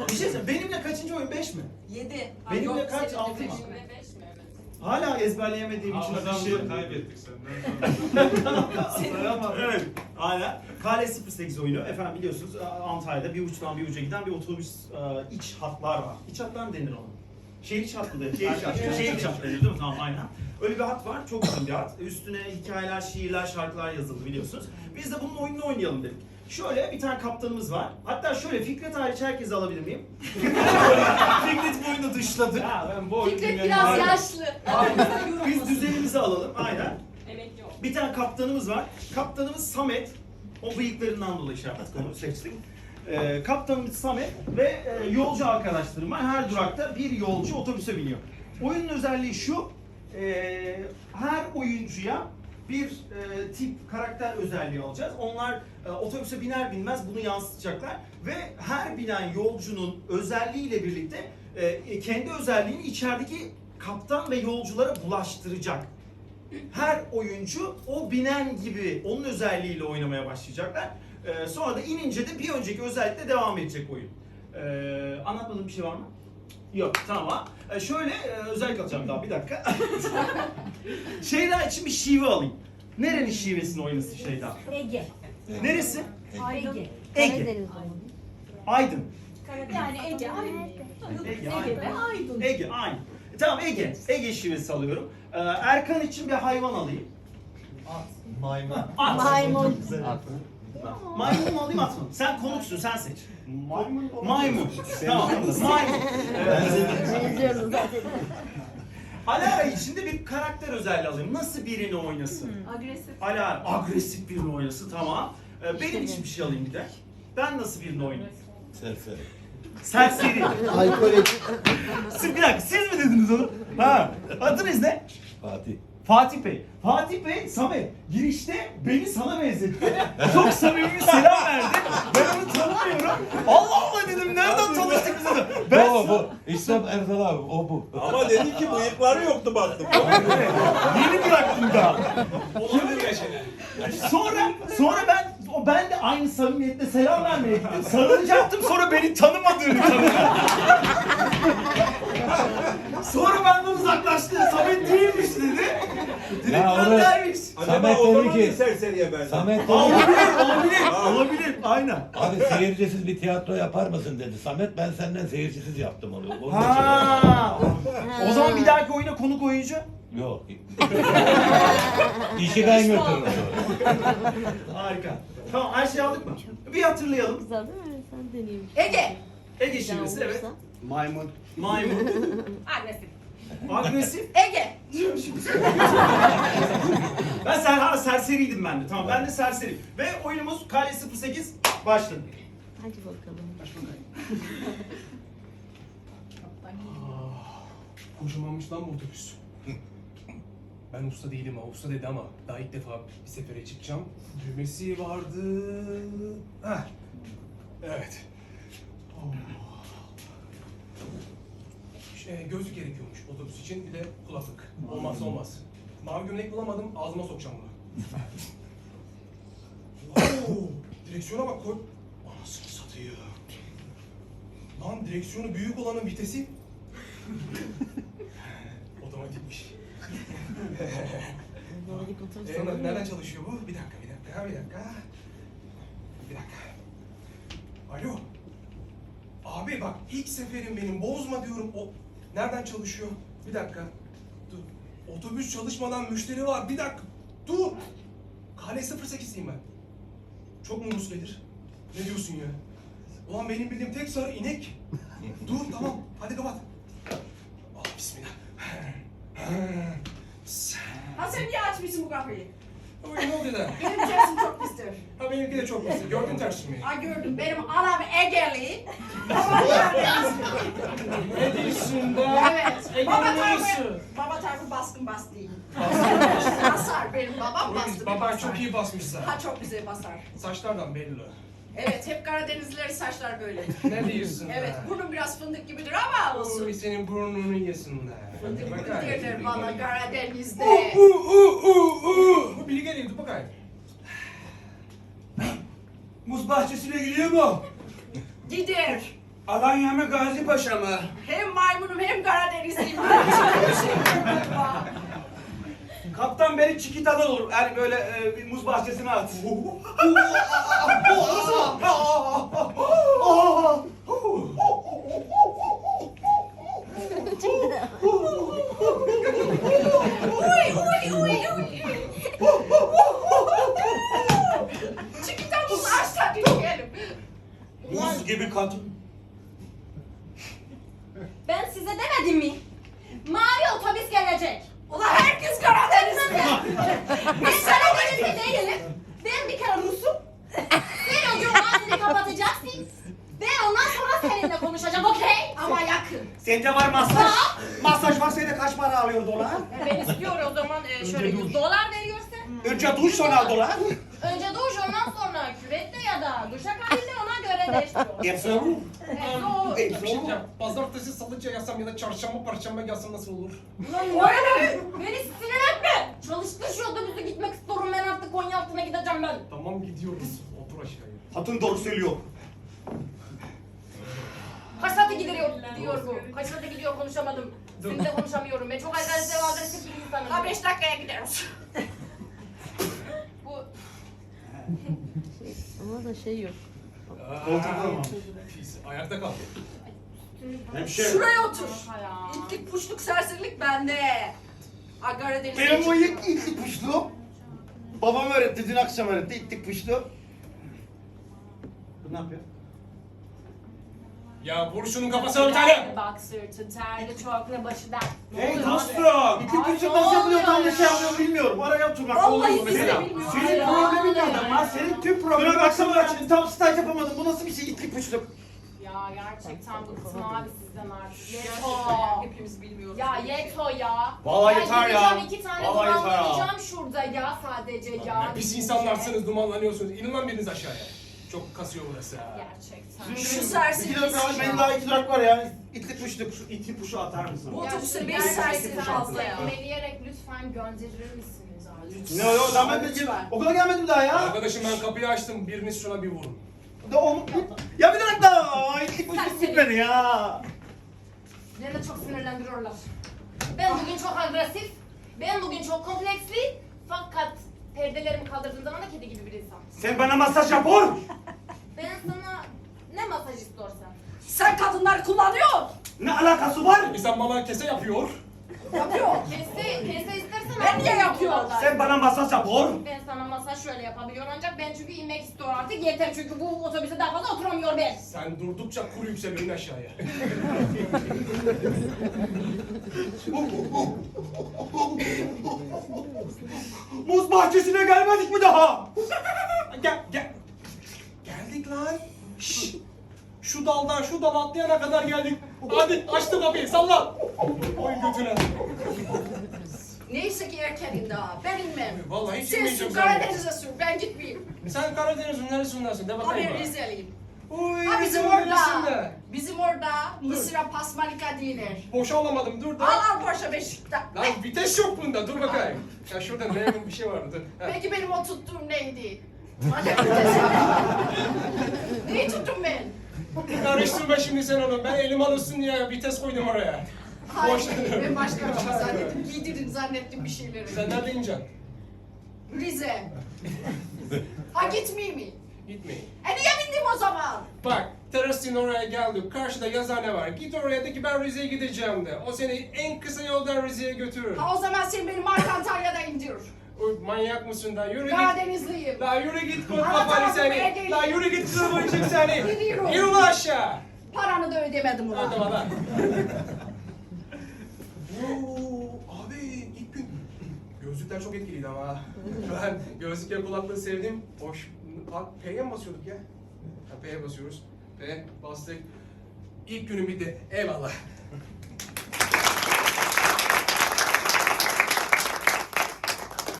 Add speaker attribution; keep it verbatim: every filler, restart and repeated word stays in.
Speaker 1: Bir şey söyleyeyim. Benimle kaçıncı oyun? beş mi?
Speaker 2: Yedi.
Speaker 1: Benimle kaç? altı mı? Hala ezberleyemediğim için
Speaker 3: Hafızamızı kaybettik senden.
Speaker 1: sonra. Evet. Hala. Kale sıfır sekiz oyunu. Efendim biliyorsunuz Antalya'da bir uçtan bir uca giden bir otobüs e, iç hatlar var. İç hatlar mı denir ona? Şehir iç hattı denir. Şehir iç hattı. Şehir iç hattı denir değil mi? Tamam aynen. Öyle bir hat var. Çok uzun bir hat. Üstüne hikayeler, şiirler, şarkılar yazıldı biliyorsunuz. Biz de bunun oyununu oynayalım dedik. Şöyle bir tane kaptanımız var. Hatta şöyle Fikret hariç herkesi alabilir miyim? Fikret bu oyunu dışladı.
Speaker 3: Ya ben bu oyunu
Speaker 2: Fikret biraz yaşlı.
Speaker 1: Biz düzenimizi alalım. Aynen.
Speaker 2: Emekli ol.
Speaker 1: Bir tane kaptanımız var. Kaptanımız Samet. O bıyıklarından dolayı şey yaptık, onu seçtik. Ee, kaptanımız Samet ve e, yolcu arkadaşlarım var. Her durakta bir yolcu otobüse biniyor. Oyunun özelliği şu. E, her oyuncuya bir e, tip karakter özelliği alacağız. Onlar e, otobüse biner binmez bunu yansıtacaklar. Ve her binen yolcunun özelliğiyle birlikte e, kendi özelliğini içerideki kaptan ve yolculara bulaştıracak. Her oyuncu o binen gibi onun özelliğiyle oynamaya başlayacaklar. Ee, sonra da inince de bir önceki özellikle devam edecek oyun. Ee, anlatmadığım bir şey var mı? Yok, tamam. Ee, şöyle e, özellik alacağım daha bir dakika. Şeyda için bir şive alayım. Nerenin şivesini oynasın Şeyda?
Speaker 4: Ege.
Speaker 1: Neresi?
Speaker 4: Ege.
Speaker 1: Ege.
Speaker 4: Karadeniz
Speaker 1: Aydın.
Speaker 2: Yani Ege aynı.
Speaker 1: Ege,
Speaker 2: Ege ve Aydın.
Speaker 1: Ege, aynı. E, tamam Ege. Ege şivesi alıyorum. Ee, Erkan için bir hayvan alayım.
Speaker 5: Maymun.
Speaker 1: At.
Speaker 4: Maymun.
Speaker 1: Maymun mu alayım at mı? Sen konuksun, sen seç.
Speaker 5: Maymun.
Speaker 1: Maymun. Tamam. Maymun.
Speaker 4: Benziyoruz zaten.
Speaker 1: Alara için de bir karakter özelliği alayım. Nasıl birini oynasın?
Speaker 2: Agresif.
Speaker 1: Alara agresif birini oynasın. Tamam. Ee, benim için bir şey alayım bir de. Ben nasıl birini oynayayım?
Speaker 5: Serseri.
Speaker 1: Serseri.
Speaker 5: Alkolik.
Speaker 1: Siz bir dakika, siz mi dediniz onu? Ha. Adınız ne?
Speaker 5: Fatih.
Speaker 1: Fatih Bey. Fatih Bey, Samet girişte beni sana benzetti. Çok samimi bir selam verdi. Ben onu tanımıyorum. Allah Allah dedim, nereden tanıştık biz onu? Ben
Speaker 5: o bu. İslam Erdal abi o bu.
Speaker 6: Ama dedi ki bıyıkları yoktu baktım.
Speaker 1: yeni bıraktım daha.
Speaker 6: Olabilir ya şeyler.
Speaker 1: Sonra, sonra ben, o ben de aynı samimiyetle selam vermeye gittim. Sarılacaktım, sonra beni tanımadığını tanıdım. Sonra benden uzaklaştı. Samet değilmiş dedi. Direkt
Speaker 5: Ya onu-
Speaker 1: bendermiş.
Speaker 6: Acaba
Speaker 5: Samet
Speaker 6: o
Speaker 5: dedi
Speaker 6: zaman
Speaker 5: ki-
Speaker 6: bir serseriye benzer.
Speaker 5: Samet dedi
Speaker 1: Olabilir,
Speaker 5: ki,
Speaker 1: olabilir, olabilir. Aynen.
Speaker 5: abi seyircisiz bir tiyatro yapar mısın dedi. Samet ben senden seyircisiz yaptım onu. Onun
Speaker 1: Ha. O zaman bir dahaki oyuna konuk oyuncu.
Speaker 5: için- Yok. İşi ben götürürüm.
Speaker 1: Harika. Tamam, her şeyi aldık mı? Bir hatırlayalım.
Speaker 4: Güzel değil mi? Sen deneyim.
Speaker 2: Ege.
Speaker 1: Ege
Speaker 4: Güzel
Speaker 1: şivesi, evet.
Speaker 4: olursa.
Speaker 5: Maymun.
Speaker 1: Maymun.
Speaker 2: Agresif.
Speaker 1: Agresif.
Speaker 2: Ege.
Speaker 1: Ben ser, ha, serseriydim ben de. Tamam, ben de serseri. Ve oyunumuz Kale sıfır sekiz başladı.
Speaker 4: Hadi bakalım.
Speaker 7: Kocamanmış lan bu otobüs. Ben usta değilim ha, usta dedi ama daha ilk defa bir sefere çıkacağım. Düğmesi vardı. Heh. Evet. Oh. Şey, gözlük gerekiyormuş otobüs için, bir de kulaklık. Olmazsa olmaz. Mavi gömlek bulamadım, ağzıma sokacağım bunu. Oo, direksiyona bak koy. Anasını satıyor. Lan direksiyonu büyük olanın vitesi. Otomatikmiş.
Speaker 4: Böyle otobüs
Speaker 7: Ee,
Speaker 4: olur mu?
Speaker 7: nereden çalışıyor bu? Bir dakika, bir dakika, bir dakika. Bir dakika. Alo. Abi bak ilk seferim benim, bozma diyorum. O nereden çalışıyor? Bir dakika. Dur. Otobüs çalışmadan müşteri var. Bir dakika. Dur. Kale sıfır sekiz'liyim ben. Çok mu musledir? Ne diyorsun ya? Ulan benim bildiğim tek sarı inek. Dur tamam. Hadi kapat. Allah bismillah.
Speaker 2: Ha sen niye açmışsın bu kapıyı?
Speaker 7: Oy ne oldu da?
Speaker 2: Benim tersim çok pistir.
Speaker 7: Ha benimki de çok basit. Gördün tersimi.
Speaker 2: Ha gördüm. Benim anam Egeli. Babam Karadenizli.
Speaker 7: Ne diyorsun be?
Speaker 2: Evet. Baba tarafı, baba tarafı baskın bastıyım. Basar. Benim babam bastı.
Speaker 7: Baban
Speaker 2: basar.
Speaker 7: çok iyi basmışsa.
Speaker 2: Ha çok güzel basar.
Speaker 7: Saçlardan belli.
Speaker 2: Evet, hep Karadenizlilerin saçlar böyle.
Speaker 7: Ne diyorsun
Speaker 2: Evet,
Speaker 7: be?
Speaker 2: burnum biraz fındık gibidir ama
Speaker 7: Oy
Speaker 2: olsun.
Speaker 7: senin burnunu yesinler.
Speaker 2: Fındık
Speaker 7: Bak
Speaker 2: fındık
Speaker 7: gayet.
Speaker 2: derler bana Karadeniz'de.
Speaker 7: Uh, uh, uh, uh, uh. Bu bilgi geliyordu bakayım.
Speaker 6: Muz bahçesine gidiyor mu?
Speaker 2: Gider.
Speaker 6: Alanya mı Gazi Paşa mı?
Speaker 2: Hem maymunum hem Karadenizliyim. Böyle bir şey galiba.
Speaker 6: Kaptan beni Çikita'da olur. Yani böyle e, bir muz bahçesine at.
Speaker 2: Uy uy uy uy. Çıkıtamız aşağı dinleyelim.
Speaker 6: Muz gibi kadın.
Speaker 8: Ben size demedim mi? Mavi otobüs gelecek.
Speaker 2: Ulan herkes Karadenizli.
Speaker 8: Ben Karadenizli değilim. Ben bir kere Rus'um. Sen o gün ağzını kapatacaksın. Ben ondan sonra seninle konuşacağım, okey?
Speaker 2: Ama yakın.
Speaker 6: Sende var masaj. Masaj var, sende kaç para alıyor dolar?
Speaker 8: Ben istiyorum o zaman e, şöyle yüz dolar veriyorsa.
Speaker 6: Önce duş sonra dolar.
Speaker 8: Önce duş, ondan sonra küvette ya da duşakabinde ona göre değiştiriyorum.
Speaker 6: Hepsi olur.
Speaker 8: Evet, o-
Speaker 7: Bir şey diyeceğim. Pazartesi, salıca yazsam ya da çarşamba, perşembe yazsam nasıl olur?
Speaker 8: Ulan ne? Beni sinir etme. Çalıştır şu otobüse gitmek istiyorum. Ben artık Konyaaltı'na gideceğim ben.
Speaker 7: Tamam gidiyoruz. Otur aşağıya.
Speaker 6: Hatun doğru söylüyor.
Speaker 8: Kaç saate gidiyor, gidiyor bu? Kaç saate gidiyor konuşamadım. Seninle konuşamıyorum. Ben çok agresif ve agresif bir insanım.
Speaker 2: Ha beş dakikaya gideriz.
Speaker 8: Bu
Speaker 4: Ama da şey yok.
Speaker 6: Koltukta mı?
Speaker 7: Pis, ayakta kal.
Speaker 6: Hemşire.
Speaker 2: Şuraya otur.
Speaker 8: ya.
Speaker 2: İtlik puşluk serserilik bende. Ha Karadeniz'e
Speaker 9: Benim o
Speaker 2: çıktım.
Speaker 9: ilk itlik puşlu. Babam öğretti, dün akşam öğretti itlik puşlu. Bu ne yapıyor?
Speaker 7: Ya vur şunun kafasına bir tane.
Speaker 8: Bak sırtı terli çok ne başı dert. Ne
Speaker 6: Hey
Speaker 8: oluyor
Speaker 6: dostum.
Speaker 9: İtlik
Speaker 8: Ay,
Speaker 9: puşlu
Speaker 8: ne
Speaker 9: nasıl yapılıyor, tam da
Speaker 8: oluyor
Speaker 9: şey
Speaker 8: ya?
Speaker 9: yapıyor bilmiyorum. Araya oturmak
Speaker 2: Vallahi
Speaker 9: oluyor
Speaker 2: biz de
Speaker 9: mesela.
Speaker 2: bilmiyoruz.
Speaker 9: Senin
Speaker 8: Ya.
Speaker 9: problemin ne adam? Senin tüm
Speaker 1: Dün
Speaker 9: problemin
Speaker 1: akşam
Speaker 9: akşam
Speaker 1: öğrettim.
Speaker 9: tam staj yapamadım. Bu nasıl bir şey itlik puşlu?
Speaker 8: Ya gerçekten bıktım abi sizden artık. Yeto.
Speaker 2: Gerçekten hepimiz bilmiyoruz.
Speaker 8: Ya yeto ya.
Speaker 6: Vallahi
Speaker 8: Ben
Speaker 6: yeter ya.
Speaker 8: gideceğim, iki tane
Speaker 6: Vallahi yeter ya.
Speaker 8: dumanlanacağım şurada ya sadece ya.
Speaker 7: Ne pis insanlarsınız, dumanlanıyorsunuz. İnin lan biriniz aşağıya. Çok kasıyor burası ha.
Speaker 8: Gerçekten.
Speaker 2: Şu serseri
Speaker 9: İki dakika var, benim daha iki durak var ya. İtlik puşlu.
Speaker 6: Şu iti puşu atar mısın?
Speaker 2: Bu otobüse beş
Speaker 8: Gerçekten
Speaker 2: serseri fazla ya.
Speaker 8: Meleyerek lütfen gönderir misiniz abi?
Speaker 9: Ne o? Ben, ben, ben okula gelmedim daha ya.
Speaker 7: Arkadaşım ben kapıyı açtım. Biriniz şuna bir vurun.
Speaker 9: Da onu... Ya bir dakika. İtlik puşlu tut beni ya.
Speaker 8: Beni de çok sinirlendiriyorlar. Ben bugün çok agresif, ben bugün çok kompleksli. Fakat perdelerimi kaldırdığım zaman da kedi gibi bir insan.
Speaker 6: Sen bana masaj yap or.
Speaker 8: Ben sana ne masaj istiyorsan.
Speaker 2: Sen kadınlar kullanıyor.
Speaker 6: Ne alakası var?
Speaker 7: İnsan bana kese yapıyor.
Speaker 2: Yapıyor.
Speaker 8: Kese, kese istersen
Speaker 2: Ben niye yapıyorum?
Speaker 6: Sen bana masaj yap or.
Speaker 8: Ben sana masaj şöyle yapabiliyor ancak ben çünkü inmek istiyorum artık yeter çünkü bu otobüse daha fazla oturamıyor ben.
Speaker 7: Sen durdukça kur yükseliyor in aşağıya.
Speaker 6: Muz bahçesine gelmedik mi daha? Gel gel.
Speaker 7: Geldik lan. Şşş. Şu daldan şu dala atlayana kadar geldik. Hadi açtı kapıyı salla. Oy götüne.
Speaker 2: Neyse ki erkenim daha. Ben inmem.
Speaker 7: Vallahi hiç
Speaker 2: Sen
Speaker 7: inmeyeceğim
Speaker 2: sür
Speaker 7: sen.
Speaker 2: Karadeniz'e sür. Ben gitmeyeyim.
Speaker 7: Sen Karadeniz'in neresindensin? De
Speaker 2: Ha
Speaker 7: bakayım
Speaker 2: ben
Speaker 7: bana.
Speaker 2: Rizeliyim.
Speaker 7: Uy,
Speaker 2: Ha bizim
Speaker 7: Rize'nin
Speaker 2: orada.
Speaker 7: neresinde?
Speaker 2: Bizim orada Mısır'a pasmalika denir.
Speaker 7: Boşa alamadım dur da.
Speaker 2: Al al boşa Beşik'te.
Speaker 7: Lan vites yok bunda dur bakayım. Ya şurada memnun bir şey vardı dur. Ha.
Speaker 2: Peki benim o tuttuğum neydi? Madem vites yok. Neyi tuttum ben?
Speaker 7: Karıştırma şimdi sen onu. Ben elim alışsın diye vites koydum oraya. Boş
Speaker 2: Hayır, ben başka bir şey zannettim. Giydirin zannettim bir şeyleri.
Speaker 7: Sen nerede ineceksin?
Speaker 2: Rize. Ha gitmeyeyim mi?
Speaker 7: Gitmeyin.
Speaker 2: E niye bindim o zaman?
Speaker 7: Bak, terasın oraya geldik. Karşıda yazıhane var. Git oraya de ki ben Rize'ye gideceğim de. O seni en kısa yoldan Rize'ye götürür.
Speaker 2: Ha o zaman sen beni Mark Antalya'da indir.
Speaker 7: Uy, manyak mısın da? Yürü git.
Speaker 2: Karadenizliyim.
Speaker 7: La yürü git kol
Speaker 2: Bana
Speaker 7: kafanı
Speaker 2: tarafı buraya
Speaker 7: seni.
Speaker 2: gelin.
Speaker 7: La yürü git kırmızı seni.
Speaker 2: Gidiyorum.
Speaker 7: Yürü lan aşağı.
Speaker 2: Paranı da ödemedim ulan.
Speaker 7: Hadi bana. Oo, abi ilk gün gözlükler çok etkiliydi ama. Ben gözlükle kulaklığı sevdim. Hoş. P'ye mi basıyorduk ya? Ha, P'ye basıyoruz. P bastık. İlk günüm bitti. Eyvallah.